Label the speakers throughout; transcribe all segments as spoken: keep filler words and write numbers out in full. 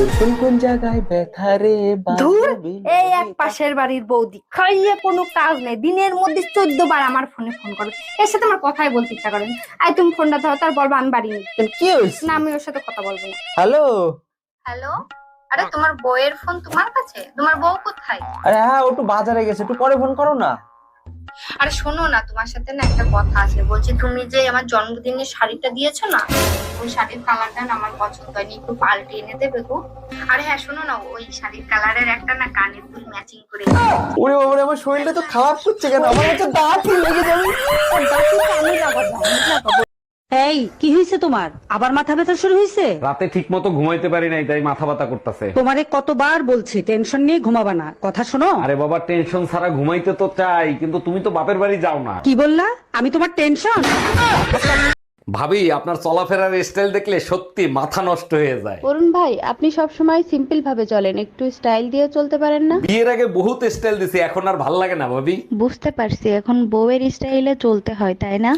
Speaker 1: কোন কোন জায়গায় ব্যথা রে
Speaker 2: ধুর, এই এক পাশের বাড়ির বৌদি খাইয়ে কোনো কাজ নেই, দিনের মধ্যে চোদ্দ বার আমার ফোনে ফোন করে, এর সাথে আমার কথাই বলতে ইচ্ছা করে না। আই তুমি ফোনটা ধরো, তার বলবো আমি বাড়ি নেই।
Speaker 1: কি হয়েছে?
Speaker 2: না, আমি ওর সাথে কথা বলবো না।
Speaker 1: হ্যালো।
Speaker 2: হ্যালো, আরে তোমার বউয়ের ফোন তোমার কাছে? তোমার বউ কোথায়?
Speaker 1: আরে হ্যাঁ, ও একটু বাজারে গেছে, একটু পরে ফোন করো না।
Speaker 2: আরে শোনো না, তোমার সাথে না একটা কথা আছে। বলছি, তুমি যে আমার জন্মদিনের শাড়িটা দিয়েছো না, ওই শাড়ির কালারটা না আমার পছন্দ হয়নি, একটু পাল্টে এনে দেবে গো। আরে হ্যাঁ শোনো না, ওই শাড়ির কালারের একটা না কানের দুল ম্যাচিং করে।
Speaker 1: ওরে বাবারে, আমার শরীরটা তো খারাপ করছে কেন? আমার হচ্ছে দাঁত লেগে যাবে।
Speaker 2: আমি লাগাবো, আমি লাগাবো।
Speaker 3: এই কি হয়েছে তোমার? আবার মাথা ব্যথা শুরু হয়েছে?
Speaker 4: রাতে ঠিক মতো ঘুমাইতে পারি নাই, তাই মাথা ব্যথা করতেছে।
Speaker 3: তোমারে কতবার বলছি টেনশন নিয়ে ঘুমাবা না, কথা শোনো।
Speaker 4: আরে বাবা, টেনশন ছাড়া ঘুমাইতে তো চাই, কিন্তু তুমি তো বাপের বাড়ি যাও না।
Speaker 3: কি বললা? আমি তোমার টেনশন?
Speaker 4: ভাবি, আপনার চলাফেরার স্টাইল দেখলে সত্যি মাথা নষ্ট হয়ে যায়।
Speaker 5: অরুণ ভাই, আপনি সব সময় সিম্পল ভাবে চলেন, একটু স্টাইল দিয়ে চলতে পারেন না?
Speaker 4: বিয়ের আগে বহুত স্টাইল দিছি, এখন আর ভাল লাগে না ভাবি।
Speaker 5: বুঝতে পারছি, এখন বউয়ের স্টাইলে চলতে হয়, তাই না?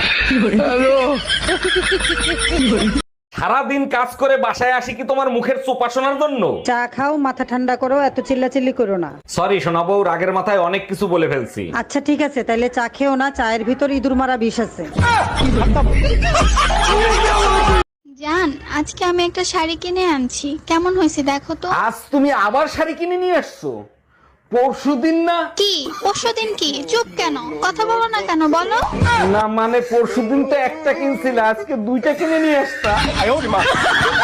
Speaker 4: সারাদিন কাজ করে বাসায় আসি কি তোমার মুখের চোপা শোনার জন্য?
Speaker 3: চা খাও, মাথা ঠান্ডা করো, এত চিল্লাচিল্লি করো না।
Speaker 4: সরি শোনাবো, রাগের মাথায় অনেক কিছু বলে ফেলছি।
Speaker 3: আচ্ছা ঠিক আছে, তাইলে চা খেও না, চায়ের ভিতর ইঁদুর মারা বিষ আছে।
Speaker 6: জান, আজকে আমি একটা শাড়ি কিনে আনছি, কেমন হয়েছে দেখো তো।
Speaker 4: আজ তুমি আবার শাড়ি কিনে নিয়ে আসছো? পরশুদিন না?
Speaker 6: কি পরশুদিন? কি চুপ কেন, কথা বলো না কেন, বলো।
Speaker 4: না মানে পরশুদিন তো একটা কিনছিল, আজকে দুইটা কিনে নিয়ে আসতা।